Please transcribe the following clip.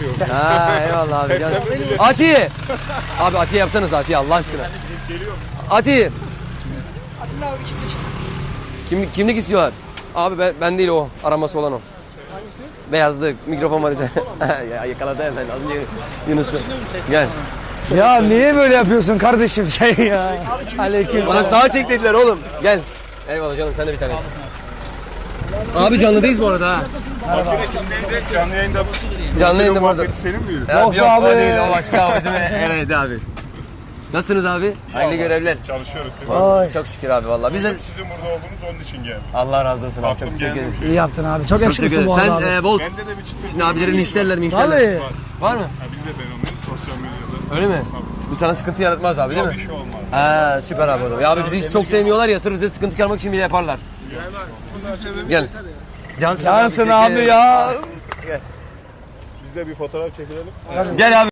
yapıyorum. Ha eyvallah abi. Gel. Ati. Abi Ati yapsanız Ati Allah aşkına. Ati. Atilla abi kimlik. Kimlik istiyorlar. Abi ben değil o. Araması olan o. Hangisi? Beyazlı mikrofon var bir de. Ya yakaladı hemen. Az önce Yunus'u. Gel. Ya niye böyle yapıyorsun kardeşim sen ya? Aleyküm. Bana sağa çek dediler oğlum. Gel. Eyvallah canım sen de bir tanesin. Abi canlıdayız bu arada ha. Canlı yayında Canlı yayında bu arada. muhabbeti senin miydi? Yok Yok abi. o değil o başka o bizim Eray'dı abi. Nasılsınız abi? Hayırlı görevler. Çalışıyoruz siz. Çok şükür abi vallahi. Biz de Sizin burada olduğunuz onun için geldim. Allah razı olsun abi. Baktım Çok teşekkür ederim. geldim. İyi yaptın abi. Çok Çok teşekkür yakışıklısın bu ederim. arada Sen abi. bol. Bende de bir çıtır. Şimdi abilerin işlerler mi? Vallahi. Var mı? Ha, biz de ben onu sosyal medyada. Öyle mi? Bu sana sıkıntı yaratmaz abi değil Yok mi? bir şey olmaz. Ha süper abi o zaman. Ya abi bizi hiç çok sevmiyorlar ya sırf bize sıkıntı çıkarmak için bile yaparlar. Gel. Cansın abi ya. Biz de bir fotoğraf çekilelim. Gel abi.